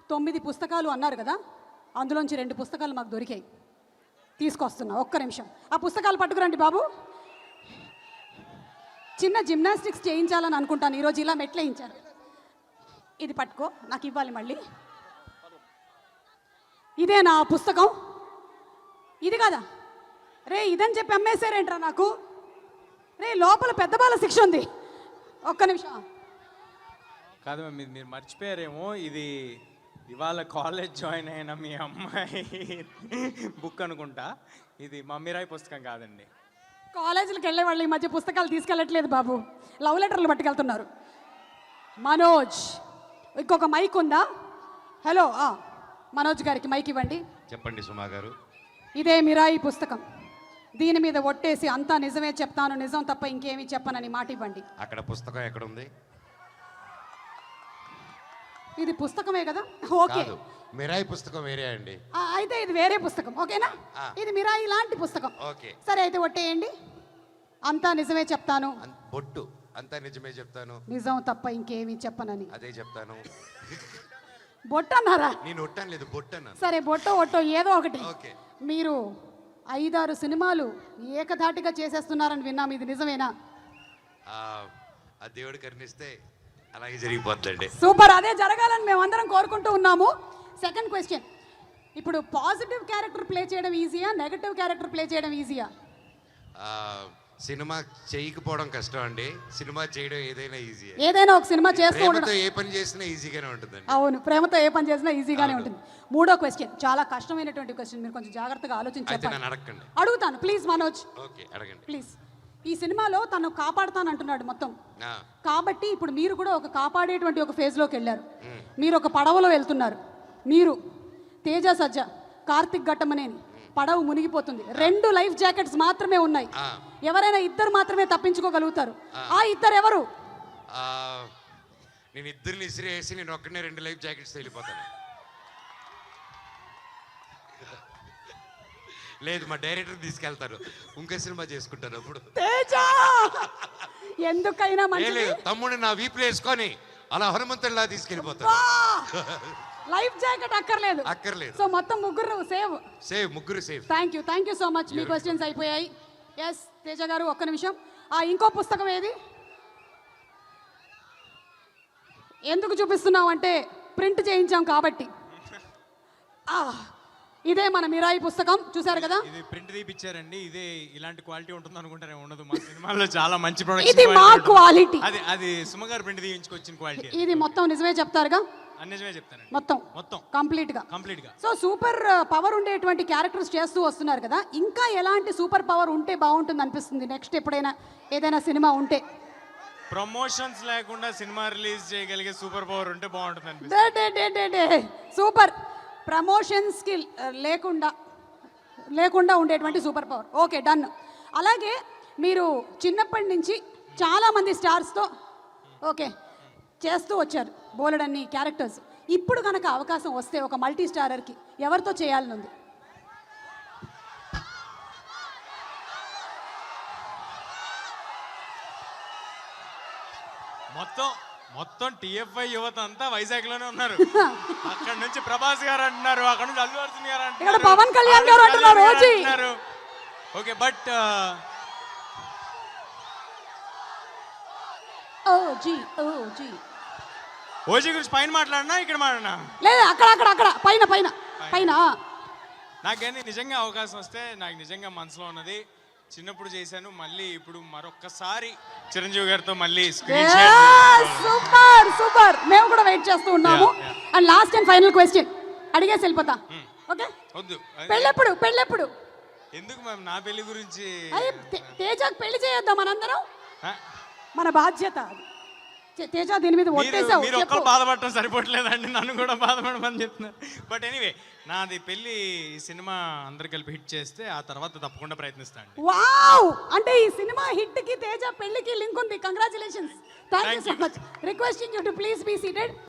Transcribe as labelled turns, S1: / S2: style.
S1: 9 పుస్తకాలు అన్నారు కదా, అందులోంచి 2 పుస్తకాలు మాకు దొరికాయి, తీసుకొస్తున్నా. ఒక్క నిమిషం ఆ పుస్తకాలు పట్టుకురండి బాబు. చిన్న జిమ్నాస్టిక్స్ చేయించాలని అనుకుంటాను, ఈరోజు ఇలా మెట్లు వేయించారు. ఇది పట్టుకో, నాకు ఇవ్వాలి మళ్ళీ. ఇదే నా పుస్తకం, ఇది కదా రే, ఇదని చెప్పి అమ్మేశారేంట్రా నాకు. రే లోపల పెద్ద బాల శిక్ష ఉంది. ఒక్క నిమిషం.
S2: కాదు మీరు మర్చిపోయారేమో, ఇది ఇవాళ కాలేజ్ జాయిన్ అయిన మీ అమ్మాయి బుక్ అనుకుంటా. ఇది మమ్మీరాయ్ పుస్తకం కాదండి.
S1: కాలేజీలకు వెళ్ళే వాళ్ళు ఈ మధ్య పుస్తకాలు తీసుకెళ్ళట్లేదు బాబు, లవ్ లెటర్లు పట్టుకెళ్తున్నారు. మనోజ్, ఇంకొక మైక్ ఉందా? హలో, మనోజ్ గారికి మైక్ ఇవ్వండి.
S3: చెప్పండి సుమా గారు.
S1: ఇదే మిరాయి పుస్తకం, దీని మీద ఒట్టేసి అంతా నిజమే చెప్తాను, నిజం తప్ప ఇంకేమీ చెప్పనని మాట ఇవ్వండి.
S3: అక్కడ పుస్తకం ఎక్కడ ఉంది?
S1: ఇది పుస్తకమే కదా, ఓకే.
S3: మిరాయి పుస్తకం వేరే అండి.
S1: అయితే ఇది వేరే పుస్తకం, ఓకేనా? ఇది మిరాయి లాంటి పుస్తకం,
S3: ఓకే.
S1: సరే అయితే ఒట్టేయండి. అంతా నిజమే చెప్తాను,
S3: బొట్టు అంతా నిజమే చెప్తాను,
S1: నిజం తప్ప ఇంకేమీ చెప్పనని.
S3: అదే చెప్తాను.
S1: బొట్టు అన్నారా?
S3: నేను ఒట్టాను లేదు, బొట్టు అన్నాను.
S1: సరే బొట్టో ఒట్టో ఏదో ఒకటి.
S3: ఓకే.
S1: మీరు 5-6 సినిమాలు ఏకధాటిగా చేసేస్తున్నారని విన్నాం, ఇది నిజమేనా?
S3: ఆ దేవుడు కరుణిస్తే అలాగే జరిగిపోతుందండి.
S1: సూపర్, అదే జరగాలని మేమందరం కోరుకుంటూ ఉన్నాము. సెకండ్ క్వశ్చన్, ఇప్పుడు పాజిటివ్ క్యారెక్టర్ ప్లే చేయడం ఈజీయా, నెగటివ్ క్యారెక్టర్ ప్లే చేయడం ఈజీయా?
S3: సినిమా చేయకపోవడం కష్టం అండి, సినిమా చేయడం ఏదైనా ఈజీ.
S1: ఏదైనా ఒక సినిమా చేస్తూ ఉండడం,
S3: ఏ పని చేసినా ఈజీగానే ఉంటుందండి.
S1: అవును, ప్రేమతో ఏ పని చేసినా ఈజీగానే ఉంటుంది. మూడో క్వశ్చన్ చాలా కష్టమైనటువంటి క్వశ్చన్, మీరు కొంచెం జాగ్రత్తగా ఆలోచించి
S3: అడగండి.
S1: అడుగుతాను ప్లీజ్ మనోజ్.
S3: ఓకే, అడగండి
S1: ప్లీజ్. ఈ సినిమాలో తను కాపాడుతాను అంటున్నాడు మొత్తం, కాబట్టి ఇప్పుడు మీరు కూడా ఒక కాపాడేటువంటి ఒక ఫేజ్లోకి వెళ్ళారు. మీరు ఒక పడవలో వెళ్తున్నారు, మీరు తేజ సజ్జ, కార్తిక్ ఘట్టమనేని, పడవ మునిగిపోతుంది, 2 లైఫ్ జాకెట్స్ మాత్రమే ఉన్నాయి, ఎవరైనా 2 మాత్రమే తప్పించుకోగలుగుతారు. ఆ 2 ఎవరు?
S3: నేను 2 ఇసిరేసి నేను ఒక్కనే 2 లైఫ్ జాకెట్స్ వెళ్ళిపోతాను. లేదు, మా డైరెక్టర్ తీసుకెళ్తారు, ఇంకో సినిమా చేసుకుంటారు అప్పుడు.
S1: తేజ ఎందుకైనా మంచిది,
S3: తమ్ముడు నా వీపులు వేసుకొని అలా హనుమంతుడిలా తీసుకెళ్ళిపోతారు.
S1: లైఫ్ జాకెట్ అక్కర్లేదు. సో మొత్తం ముగ్గురు
S3: ముగ్గురు save.
S1: Thank you so much. మీ క్వశ్చన్స్ అయిపోయాయి. ఎస్ తేజ గారు, ఒక్క నిమిషం. ఇంకో పుస్తకం ఏది? ఎందుకు చూపిస్తున్నాం అంటే ప్రింట్ చేయించాం కాబట్టి. ఇదే మన మిరాయి పుస్తకం, చూసారు కదా.
S2: ఇది ప్రింట్ తీపిచ్చారండి, ఇదే ఇలాంటి క్వాలిటీ ఉంటుంది అనుకుంటారే, ఉండదు. మా సినిమాలో చాలా మంచి ప్రొడక్షన్,
S1: ఇది మా క్వాలిటీ.
S2: అది సుమగారు ప్రింట్ తీయించుకొచ్చిన క్వాలిటీ.
S1: ఇది మొత్తం నిజమే చెప్తారుగా?
S2: నిజమే చెప్తాను, మొత్తం
S1: కంప్లీట్ గా. సో సూపర్ పవర్ ఉండేటువంటి క్యారెక్టర్స్ చేస్తూ వస్తున్నారు కదా, ఇంకా ఎలాంటి సూపర్ పవర్ ఉంటే బాగుంటుంది అనిపిస్తుంది నెక్స్ట్ ఎప్పుడైనా ఏదైనా సినిమా ఉంటే?
S2: ప్రమోషన్స్ లేకుండా సినిమా రిలీజ్ చేయగలిగే సూపర్ పవర్ ఉంటే బాగుంటుంది అనిపిస్తుంది.
S1: సూపర్, ప్రమోషన్స్ కి లేకుండా ఉండేటువంటి సూపర్ పవర్. Okay, done. అలాగే మీరు చిన్నప్పటి నుంచి చాలా మంది స్టార్స్తో ఓకే చేస్తూ వచ్చారు, బోలెడన్ని క్యారెక్టర్స్. ఇప్పుడు కనుక అవకాశం వస్తే ఒక మల్టీ స్టారర్కి ఎవరితో చేయాలని ఉంది?
S2: మొత్తం TFI యువత అంతా వైజాగ్ లోనే ఉన్నారు. అక్కడ నుంచి ప్రభాస్ గారు అంటున్నారు, అక్కడ నుంచి అల్లు అర్జున్ గారు అంటున్నారు,
S1: పవన్ కళ్యాణ్ గారు అంటున్నారు.
S2: ఓకే, బట్ ఓజీ గురించి పైన మాట్లాడినా ఇక్కడ మాట్లాడినా
S1: లేదు, అక్కడ పైన.
S2: నాకు కానీ నిజంగా అవకాశం వస్తే, నాకు నిజంగా మనసులో ఉన్నది, చిన్నప్పుడు చేశాను, మళ్ళీ ఇప్పుడు మరొక్కసారి చిరంజీవి గారితో మళ్ళీ
S1: సూపర్. మేము కూడా వెయిట్ చేస్తూ ఉన్నాము. And last and final question అడిగేసి వెళ్ళిపోతా. ఓకే,
S2: వద్దు,
S1: పెళ్ళెప్పుడు?
S2: ఎందుకు మ్యామ్, నా పెళ్లి గురించి?
S1: తేజకి పెళ్లి చేయొద్దాం మనందరం, మన బాధ్యత. తేజ దీని మీద ఒట్టేసావు.
S2: మీరు ఒక్కరు బాధపడటం సరిపోవట్లేదండి, నన్ను కూడా బాధపడమని చెప్తున్నారు. బట్ ఎనీవే, నాది పెళ్లి సినిమా అందరు కలిపి హిట్ చేస్తే ఆ తర్వాత తప్పకుండా ప్రయత్నిస్తాను.
S1: వావ్, అంటే ఈ సినిమా హిట్ కి తేజ పెళ్లికి లింక్ ఉంది. Congratulations. Thank you so much. Requesting you to please be seated.